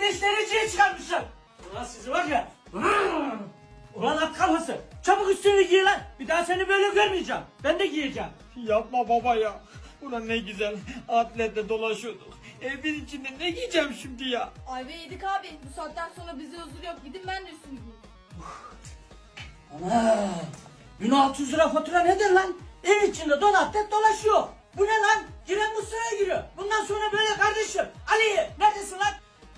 35 dereceye çıkarmışlar. Ulan sizi var ya. Ulan at kafası. Çabuk üstünü giy lan. Bir daha seni böyle görmeyeceğim. Ben de giyeceğim. Yapma baba ya. Ulan ne güzel atletle dolaşıyorduk. Evin içinde ne giyeceğim şimdi ya? Ayva yedik abi. Bu saatten sonra bize huzur yok. Gidin ben de üstümü giyeyim. Ana. 1600 lira fatura nedir lan? Ev içinde donatlet dolaşıyor. Bu ne lan? Giren Mustafa'ya giriyor. Bundan sonra böyle kardeşim. Ali neredesin lan?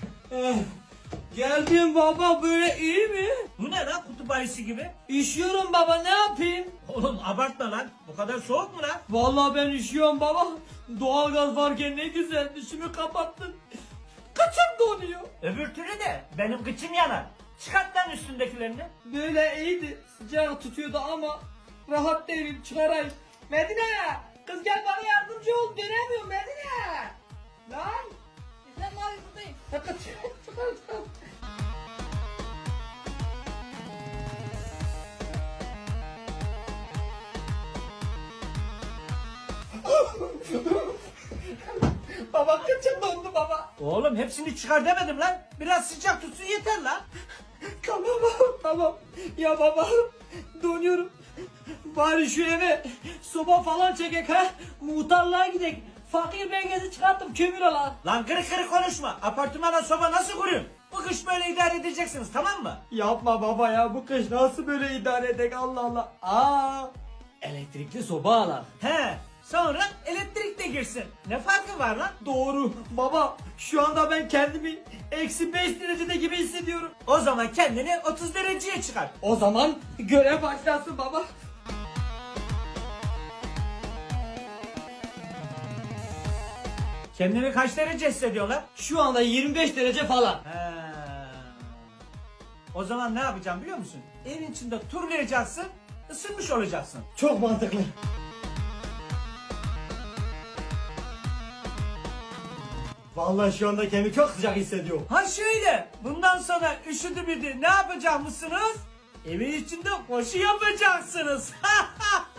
Geldim baba, böyle iyi mi? Bu ne lan, kutup ayısı gibi? Üşüyorum baba, ne yapayım? Oğlum abartma lan. Bu kadar soğuk mu lan? Vallahi ben üşüyorum baba. Doğalgaz varken ne güzel, dişimi kapattın. Kaçım donuyor. Öbür türlü de benim kıçım yanar. Çıkart lan üstündekilerini. Böyle iyiydi. Sıcak tutuyordu ama rahat değilim, çıkarayım. Medine! Kız gel bana yardımcı ol. Dönemiyorum Medine. Lan! Efendim abi buradayım. Çıkar. Baba kıçım dondu baba. Oğlum hepsini çıkar demedim lan. Biraz sıcak tutsun yeter lan. Tamam. Ya baba donuyorum. Bari şu eve soba falan çekek ha. Muhtarlığa gidek. Fakir belgesi çıkarttım, kömür alan. Lan kırık kırık konuşma. Apartmana soba nasıl kurayım? Bu kış böyle idare edeceksiniz, tamam mı? Yapma baba ya, bu kış nasıl böyle idare edek, Allah Allah. Elektrikli soba alan. He. Sonra elektrik de girsin. Ne farkı var lan? Doğru baba, şu anda ben kendimi eksi 5 derecede gibi hissediyorum. O zaman kendini 30 dereceye çıkar. O zaman görev başlasın baba. Kendini kaç derece hissediyorsun lan? Şu anda 25 derece falan. He. O zaman ne yapacağım biliyor musun? Evin içinde turlayacaksın, ısınmış olacaksın. Çok mantıklı. Vallahi şu anda kendimi çok sıcak hissediyorum. Ha şöyle, bundan sonra üşüdü müydü ne yapacak mısınız? Evin içinde koşu yapacaksınız.